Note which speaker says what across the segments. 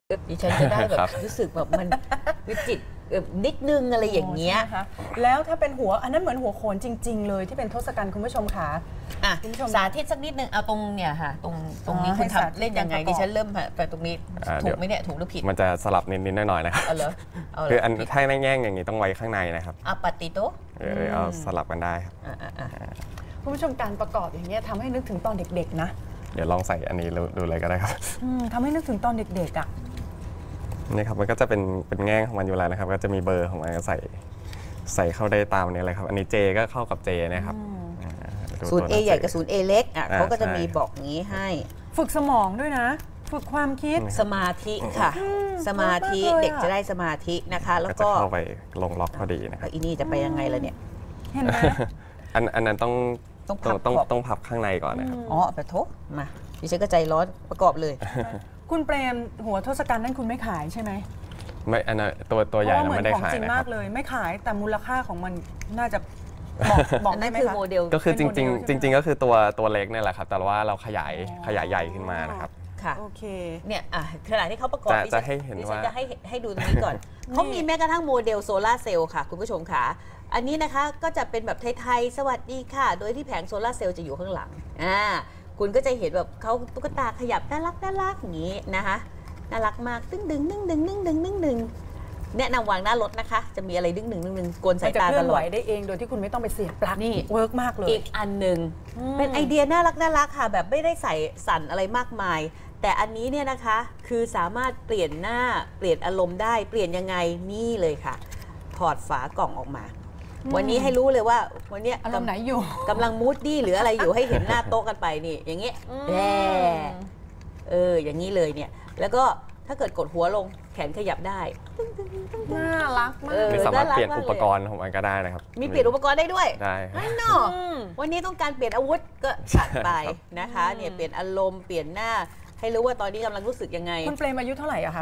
Speaker 1: ดิฉันจะได้แบบรู้สึกแบบมันวิจิตรนิดนึงอะไรอย่างเงี้ย
Speaker 2: แล้วถ้าเป็นหัวอันนั้นเหมือนหัวโขนจริงๆเลยที่เป็นทศกัณฐ์คุณผู้ชมค่ะ
Speaker 1: คุณผู้ชมสาธิตสักนิดนึงเอาตรงเนี่ยค่ะตรงนี้คุณทำเล่นยังไงดิฉันเริ่มไปตรงนี้ถูกไหมเนี่ยถูกหรือผิด
Speaker 3: มันจะสลับนิดๆหน่อยๆนะครับคืออันถ้าแง่งอย่างนี้ต้องไว้ข้างในนะครับ
Speaker 1: ปฏิโต
Speaker 3: เอาสลับกันได้ครับ
Speaker 2: คุณผู้ชมการประกอบอย่างเงี้ยทำให้นึกถึงตอนเด็กๆนะ
Speaker 3: เดี๋ยวลองใส่อันนี้ดูเลยก็ได้ครับ
Speaker 2: ทำให้นึกถึงตอนเด็กๆ
Speaker 3: นี่ครับมันก็จะเป็นแง่งของมันอยู่แล้วนะครับก็จะมีเบอร์ของมันก็ใส่เข้าได้ตามนี้เลยครับอันนี้เจก็เข้ากับเจนะครับ
Speaker 1: ศูนย์ A ใหญ่กับศูนย์ A เล็กเขาก็จะมีบอกงี้ให้
Speaker 2: ฝึกสมองด้วยนะฝึกความคิด
Speaker 1: สมาธิค่ะสมาธิเด็กจะได้สมาธินะคะแล้วก็
Speaker 3: เข้าไปลงล็อกพอดีนะครับ
Speaker 1: อีนี่จะไปยังไงล่ะเนี่ย
Speaker 2: เห็นไหม
Speaker 3: อันนั้นต้องพับข้างในก่อนนะครับ
Speaker 1: ไปโทษมาดิฉันก็ใจร้อนประกอบเลย
Speaker 2: คุณเปรมหัวทศกัณฐ์นั่นคุณไม่ขายใช่ไหม
Speaker 3: ไม่อันนั้นตัวใหญ่ไม่ได้ขาย
Speaker 2: จริงมากเลยไม่ขายแต่มูลค่าของมันน่าจะบอกได้ไหมคะ
Speaker 1: โมเดล
Speaker 3: ก็คือจริงก็คือตัวเล็กนี่แหละครับแต่ว่าเราขยายใหญ่ขึ้นมานะครับ
Speaker 1: ค่ะ
Speaker 2: โอเค
Speaker 1: เนี่ยขณะที่เขาประกอบ
Speaker 3: จะให้เห็นว่า
Speaker 1: จะให้ดูตรงนี้ก่อนเขามีแม้กระทั่งโมเดลโซลาร์เซลล์ค่ะคุณผู้ชมค่ะอันนี้นะคะก็จะเป็นแบบไทยๆสวัสดีค่ะโดยที่แผงโซลาร์เซลล์จะอยู่ข้างหลังคุณก็จะเห็นแบบเขาตุ๊กตาขยับน่ารักอย่างนี้นะคะน่ารักมากดึงแนะนำวางหน้ารถนะคะจะมีอะไรดึงกวนสายตาตลอด
Speaker 2: ได้เองโดยที่คุณไม่ต้องไปเสียบปลั๊กนี่เวิร์กมากเลย
Speaker 1: อีกอันหนึ่งเป็นไอเดียน่ารักค่ะแบบไม่ได้ใส่สั่นอะไรมากมายแต่อันนี้เนี่ยนะคะคือสามารถเปลี่ยนหน้าเปลี่ยนอารมณ์ได้เปลี่ยนยังไงนี่เลยค่ะถอดฝากล่องออกมาวันนี้ให้รู้เลยว่าวันนี้
Speaker 2: อารมณ์ไหนอยู่
Speaker 1: กำลังมูดดี้หรืออะไรอยู่ให้เห็นหน้าโต๊ะกันไปนี่อย่างเงี้ยอย่างนี้เลยเนี่ยแล้วก็ถ้าเกิดกดหัวลงแขนขยับได้
Speaker 2: น่ารักมาก
Speaker 3: มีสามารถเปลี่ยนอุปกรณ์ของมันก็ได้นะครับ
Speaker 1: มีเปลี่ยนอุปกรณ์ได้ด้วย
Speaker 3: ได้
Speaker 1: เนาะวันนี้ต้องการเปลี่ยนอาวุธก็จัดไปนะคะเนี่ยเปลี่ยนอารมณ์เปลี่ยนหน้าให้รู้ว่าตอนนี้กำลังรู้สึกยังไง
Speaker 2: คุณเปรมอายุเท่าไหร่อะคะ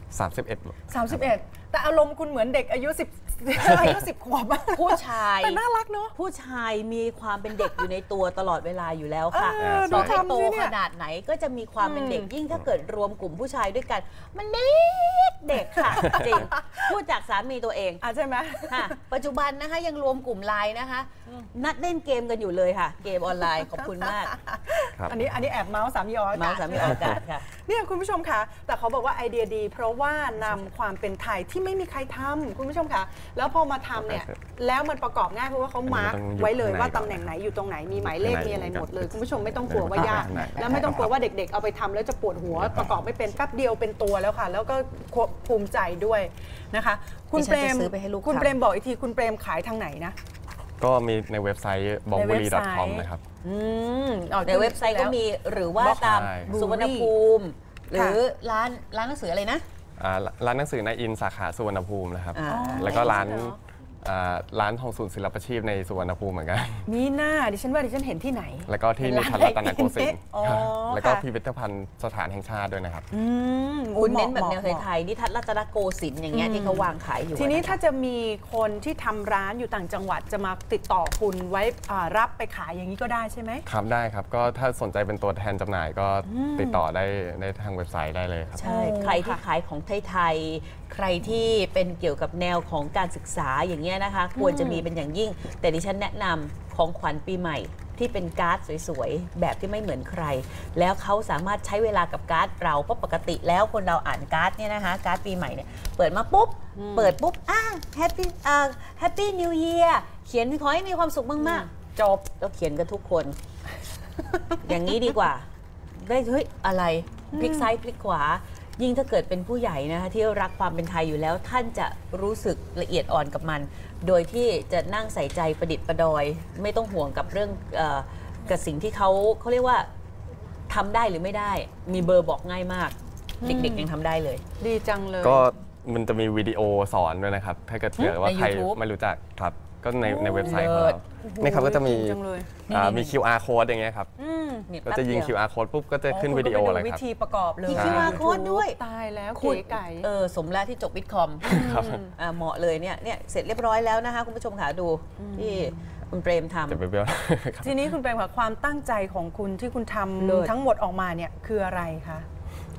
Speaker 3: 31
Speaker 2: แต่อารมณ์คุณเหมือนเด็กอายุ10 ขวบ
Speaker 1: ผู้ชาย
Speaker 2: แต่น่ารักเนาะ
Speaker 1: ผู้ชายมีความเป็นเด็กอยู่ในตัวตลอดเวลาอยู่แล้วค่ะต่อให้โตขนาดไหนก็จะมีความเป็นเด็กยิ่งถ้าเกิดรวมกลุ่มผู้ชายด้วยกันมันเด็กค่ะจริงพูดจากสามีตัวเอง
Speaker 2: ใช่ไหม
Speaker 1: ปัจจุบันนะคะยังรวมกลุ่มไลน์นะคะนัดเล่นเกมกันอยู่เลยค่ะเกมออนไลน์ขอบคุณมาก
Speaker 2: อันนี้แอบเมาส์สามีออก
Speaker 1: อากาศค่ะ
Speaker 2: เนี่ยคุณผู้ชมคะแต่เขาบอกว่าไอเดียดีเพราะว่านำความเป็นไทยที่ไม่มีใครทำคุณผู้ชมคะแล้วพอมาทำเนี่ยแล้วมันประกอบง่ายเพราะว่าเขามาร์กไว้เลยว่าตำแหน่งไหนอยู่ตรงไหนมีหมายเลขมีอะไรหมดเลยคุณผู้ชมไม่ต้องกลัวว่ายากแล้วไม่ต้องกลัวว่าเด็กๆเอาไปทำแล้วจะปวดหัวประกอบไม่เป็นแป๊บเดียวเป็นตัวแล้วค่ะแล้วก็ภูมิใจด้วยนะคะคุณเปรมบอกอีกทีคุณเปรมขายทางไหนนะ
Speaker 3: ก็มีในเว็บไซต์ bongburi.com นะครับ
Speaker 1: ในเว็บไซต์ก็มีหรือว่าตามสุวรรณภูมิหรือร้านหนังสืออะไรนะ
Speaker 3: ร้านหนังสือในอินสาขาสุวรรณภูมินะครับแล้วก็ร้านทองศูนย์ศิลปาชีพในสุวรรณภูมิเหมือนกัน
Speaker 2: มีหน้าดิฉันเห็นที่ไหน
Speaker 3: แล้วก็ที่นิทรรศรัตนโกสินทร์แล้วก็พิพิธภัณฑ์สถานแห่งชาติด้วยนะครับ
Speaker 1: คุณเน้นแบบแนวไทยนิทรรศรัตนโกสินทร์อย่างเงี้ยที่เขาวางขายอยู่
Speaker 2: ทีนี้ถ้าจะมีคนที่ทำร้านอยู่ต่างจังหวัดจะมาติดต่อคุณไว้รับไปขายอย่างนี้ก็ได้ใช่ไหม
Speaker 3: ครับได้ครับก็ถ้าสนใจเป็นตัวแทนจำหน่ายก็ติดต่อได้ในทางเว็บไซต์ได้เลยครับ
Speaker 1: ใช่ใครที่ขายของไทยใครที่เป็นเกี่ยวกับแนวของการศึกษาอย่างเงี้ยนะคะควรจะมีเป็นอย่างยิ่งแต่ดิฉันแนะนำของขวัญปีใหม่ที่เป็นการ์ดสวยๆแบบที่ไม่เหมือนใครแล้วเขาสามารถใช้เวลากับการ์ดเราเพราะปกติแล้วคนเราอ่านการ์ดเนี่ยนะคะการ์ดปีใหม่เนี่ยเปิดมาปุ๊บแฮปปี้นิวเยียร์เขียนขอให้มีความสุขมากๆจบแล้วเขียนกันทุกคนอย่างนี้ดีกว่าได้เฮ้ยอะไรพลิกซ้ายพลิกขวายิ่งถ้าเกิดเป็นผู้ใหญ่นะคะที่รักความเป็นไทยอยู่แล้วท่านจะรู้สึกละเอียดอ่อนกับมันโดยที่จะนั่งใส่ใจประดิษฐ์ประดอยไม่ต้องห่วงกับเรื่องกับสิ่งที่เขาเรียกว่าทำได้หรือไม่ได้มีเบอร์บอกง่ายมากเด็กๆยังทำได้เลย
Speaker 2: ดีจังเลย
Speaker 3: ก็มันจะมีวิดีโอสอนด้วยนะครับถ้าเกิดว่าใครไม่รู้จักครับก็ในเว็บไซต์ของเรานี่ครับก็จะมีQR code อย่างเงี้ยครับก็จะยิง QR code ปุ๊บก็จะขึ้นวิดีโอเลยครับ
Speaker 2: วิธีประกอบเลย
Speaker 1: มี QR code ด้วย
Speaker 2: ตายแล้วเก๋ไก่
Speaker 1: สมแล้วที่จบวิทย์คอมเหมาะเลยเนี่ยเสร็จเรียบร้อยแล้วนะคะคุณผู้ชมค่ะดูที่คุณเปรมท
Speaker 3: ำ
Speaker 2: ทีนี้คุณเปรมค่ะความตั้งใจของคุณที่คุณทำทั้งหมดออกมาเนี่ยคืออะไรคะ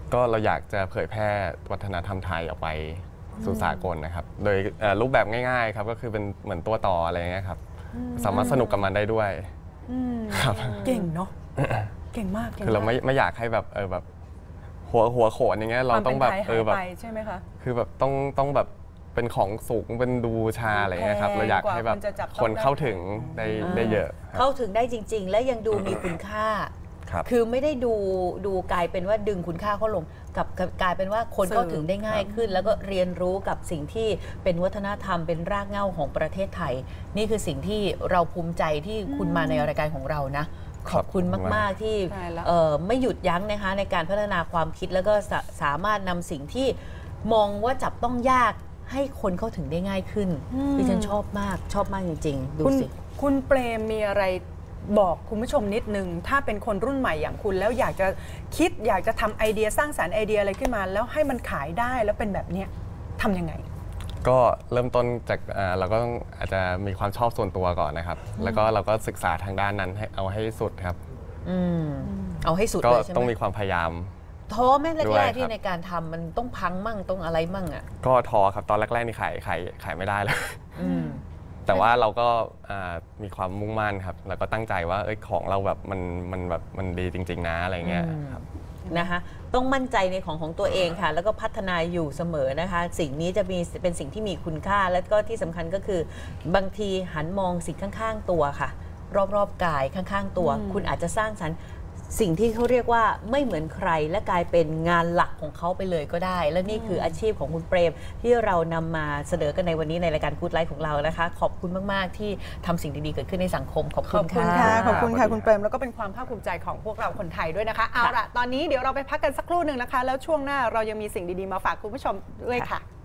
Speaker 3: ก็เราอยากจะเผยแพร่วัฒนธรรมไทยออกไปสู่สากลนะครับโดยรูปแบบง่ายๆครับก็คือเป็นเหมือนตัวต่ออะไรเงี้ยครับสามารถสนุกกับมันได้ด้วยครับ
Speaker 2: เก่งเนาะเก่งมาก
Speaker 3: คือเราไม่อยากให้แบบแบบหัวโขนอย่างเงี้ยเราต้องแบบ
Speaker 2: แบบใช่ไหมคะ
Speaker 3: คือแบบต้องแบบเป็นของสูงเป็นดูชาอะไรเงี้ยครับเราอยากให้แบบคนเข้าถึงได้เยอะ
Speaker 1: เข้าถึงได้จริงๆและยังดูมีคุณค่าคือไม่ได้ดูกลายเป็นว่าดึงคุณค่าเขาลงกับกลายเป็นว่าคนเข้าถึงได้ง่ายขึ้นแล้วก็เรียนรู้กับสิ่งที่เป็นวัฒนธรรมเป็นรากเหง้าของประเทศไทยนี่คือสิ่งที่เราภูมิใจที่คุณมาในรายการของเรานะขอบคุณมากๆที่ไม่หยุดยั้งนะคะในการพัฒนาความคิดแล้วก็สามารถนำสิ่งที่มองว่าจับต้องยากให้คนเข้าถึงได้ง่ายขึ้นดิฉันชอบมากจริงๆดูสิ
Speaker 2: คุณเปรมมีอะไรบอกคุณผู้ชมนิดนึงถ้าเป็นคนรุ่นใหม่อย่างคุณแล้วอยากจะคิดอยากจะทำไอเดียสร้างสรรค์ไอเดียอะไรขึ้นมาแล้วให้มันขายได้แล้วเป็นแบบนี้ทำยังไง
Speaker 3: ก็เริ่มต้นจากเราก็ต้องอาจจะมีความชอบส่วนตัวก่อนนะครับแล้วก็เราก็ศึกษาทางด้านนั้นให้เอาให้สุดครับ
Speaker 1: เอาให้สุด
Speaker 3: เลยใช่ไหมก็ต้องมีความพยายาม
Speaker 1: ท้อแม่แรกๆที่ในการทำมันต้องพังมั่งต้องอะไรมั่งอ่ะ
Speaker 3: ก็ท้อครับตอนแรกๆนี่ขายไม่ได้เลยแต่ว่าเราก็มีความมุ่งมั่นครับแล้วก็ตั้งใจว่าของเราแบบมันดีจริงๆนะอะไรเงี้ยครับ
Speaker 1: นะคะต้องมั่นใจในของตัวเองค่ะแล้วก็พัฒนาอยู่เสมอนะคะสิ่งนี้จะเป็นสิ่งที่มีคุณค่าและก็ที่สำคัญก็คือบางทีหันมองสิ่งข้างๆตัวค่ะรอบๆกายข้างๆตัวคุณอาจจะสร้างสรรค์สิ่งที่เขาเรียกว่าไม่เหมือนใครและกลายเป็นงานหลักของเขาไปเลยก็ได้และนี่คืออาชีพของคุณเปรมที่เรานำมาเสนอกันในวันนี้ในรายการกู๊ดไลฟ์ของเรานะคะขอบคุณมากๆที่ทำสิ่งดีๆเกิดขึ้นในสังคมขอบคุณค่ะ
Speaker 2: ขอบคุณค่ะคุณเปรมแล้วก็เป็นความภาคภูมิใจของพวกเราคนไทยด้วยนะคะเอาล่ะตอนนี้เดี๋ยวเราไปพักกันสักครู่หนึ่งนะคะแล้วช่วงหน้าเรายังมีสิ่งดีๆมาฝากคุณผู้ชมด้วยค่ะ